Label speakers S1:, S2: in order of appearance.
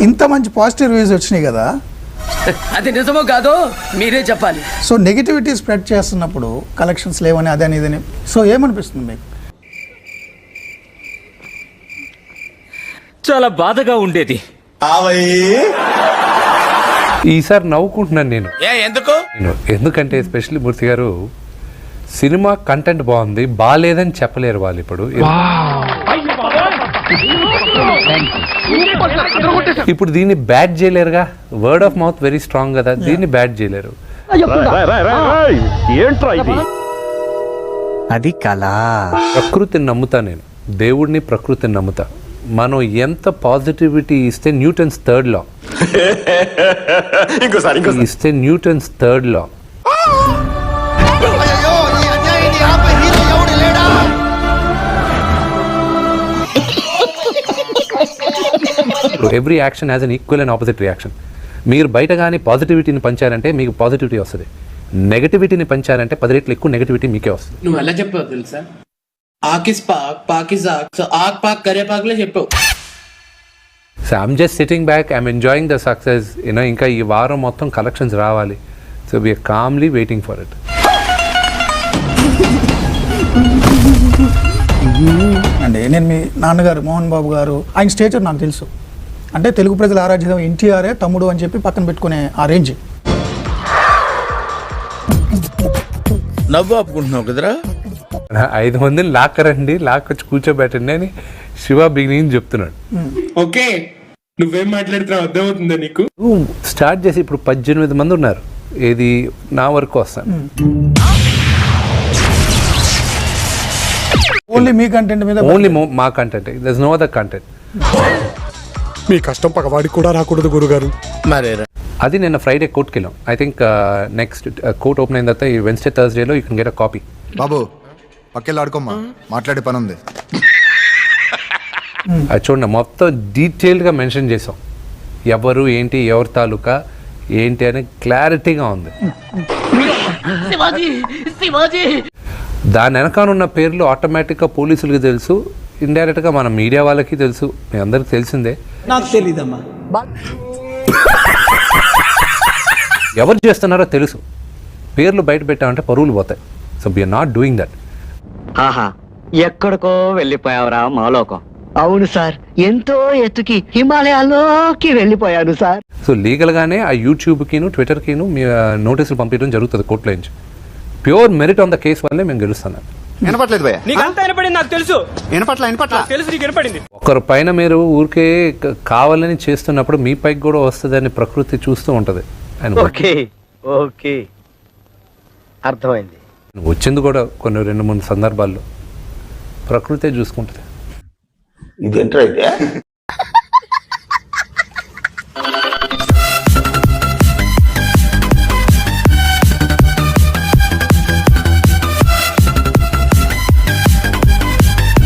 S1: ఇంత మంచి positive reviews వచ్చినాయి కదా,
S2: అది నిజమో కాదో మీరే చెప్పాలి.
S1: సో నెగిటివిటీ స్ప్రెడ్ చేస్తున్నప్పుడు కలెక్షన్స్ లేవని అదని ఇదని, సో ఏమనిపిస్తుంది మీకు?
S3: చాలా బాధగా ఉండేది.
S4: ఈసారి నవ్వుకుంటున్నాను నేను. ఎందుకంటే ఎస్పెషల్లీ మూర్తి గారు సినిమా కంటెంట్ బాగుంది, బాగాలేదని చెప్పలేరు వాళ్ళు. ఇప్పుడు దీన్ని బ్యాడ్ చేయలేరుగా, word of mouth very strong కదా, దీన్ని బ్యాడ్ చేయలేరు.
S5: అది కళ.
S4: ప్రకృతిని నమ్ముతా నేను, దేవుడిని ప్రకృతిని నమ్ముతా. మనం ఎంత పాజిటివిటీ ఇస్తే న్యూటన్స్ థర్డ్ లా ఇస్తే Newton's third law every action has an equal and opposite reaction. మీరు బయట కానీ పాజిటివిటీని పంచారంటే మీకు పాజిటివిటీ వస్తుంది, నెగటివిటీని పంచారంటే 10 రెట్లు ఎక్కువ నెగటివిటీ మీకే వస్తుంది.
S6: నువ్వు ఎలా చెప్పావు తెలుసా? ఆకిస్ పాక్ పాకిస్ ఆక్, సో ఆక్ పాక్ కరే పాక్లే చెప్పావు.
S4: So I'm just sitting back, I'm enjoying the success. ఇంకా ఈ వారం మొత్తం కలెక్షన్స్ రావాలి. So we're calmly waiting for it.
S1: అంటే నేను మీ నాన్నగారు మోహన్ బాబు గారు, ఆయన స్టేచర్ నాకు తెలుసు. అంటే తెలుగు ప్రజల ఆరాధ్యం ఎన్టీఆరే తమ్ముడు అని చెప్పి పక్కన పెట్టుకునే ఆ రేంజ్.
S7: నవ్వు ఆపుకుంటున్నావు కదరా.
S4: 5 మందిని లాక్కరండి, లాక్కొచ్చి కూర్చోబెట్టండి అని శివ బిగినింగ్ చెప్తున్నాడు.
S6: ఓకే, నువ్వేం మాట్లాడుతున్నావు అర్థమవుతుందా నీకు?
S4: స్టార్ట్ చేసి ఇప్పుడు 18 మంది ఉన్నారు. ఏది నా వరకు వస్తాను.
S1: ఓన్లీ మీ కంటెంట్ మీద,
S4: ఓన్లీ మా content, there is no other content.
S8: మీ కష్టం పగవాడికి కూడా రాకూడదు గురుగారు.
S7: మరేరా
S4: అది నిన్న ఫ్రైడే కోర్టుకి వెళ్ళాం. I think next court open అయిన తర్వాత ఈ వెన్స్డే థర్స్డేలో you can get a copy.
S9: బాబు పక్కెళ్ళి ఆడుకోమ్మా, మాట్లాడే పని ఉంది.
S4: అది చూడండి, మొత్తం డీటెయిల్డ్గా మెన్షన్ చేసాం. ఎవరు ఏంటి, ఎవరి తాలూకా ఏంటి అని క్లారిటీగా ఉంది. దాని వెనకానున్న పేర్లు ఆటోమేటిక్గా పోలీసులకి తెలుసు, ఇండైరెక్ట్గా మన మీడియా వాళ్ళకి తెలుసు, మీ అందరికి తెలిసిందే.
S2: నాకు తెలీదమ్మా.
S4: ఎవరు చేస్తున్నారో తెలుసు. పేర్లు బయట పెట్టామంటే పరువులు పోతాయి. So we're not doing that.
S5: ఆహా, ఎక్కడికో వెళ్ళిపోయావురా మాలోకం. అవును సార్, ఎంతో ఎత్తుకి హిమాలయాల్లోకి వెళ్ళిపోయాను సార్.
S4: సో లీగల్గానే ఆ యూట్యూబ్కిను ట్విట్టర్కిను మీ నోటీసులు పంపించడం జరుగుతుంది కోర్టులో నుంచి. Pure merit on the case వల్లే మేము గెలుస్తున్నాం.
S9: వినపట్లేదు భయ్యా?
S3: నీకంతా వినపడింది నాకు తెలుసు.
S9: వినపట్ల
S3: తెలుసు నీకు వినపడింది.
S4: ఒకరి పైన మీరు ఊరికే కావాలని చేస్తున్నప్పుడు మీ పైకి కూడా వస్తుందని ప్రకృతి చూస్తూ ఉంటుంది.
S5: ఓకే ఓకే, అర్థమైంది.
S4: వచ్చింది కూడా కొన్ని 2-3 సందర్భాల్లో ప్రకృతే చూసుకుంటుంది.
S7: ఇదేంట్రా అయితే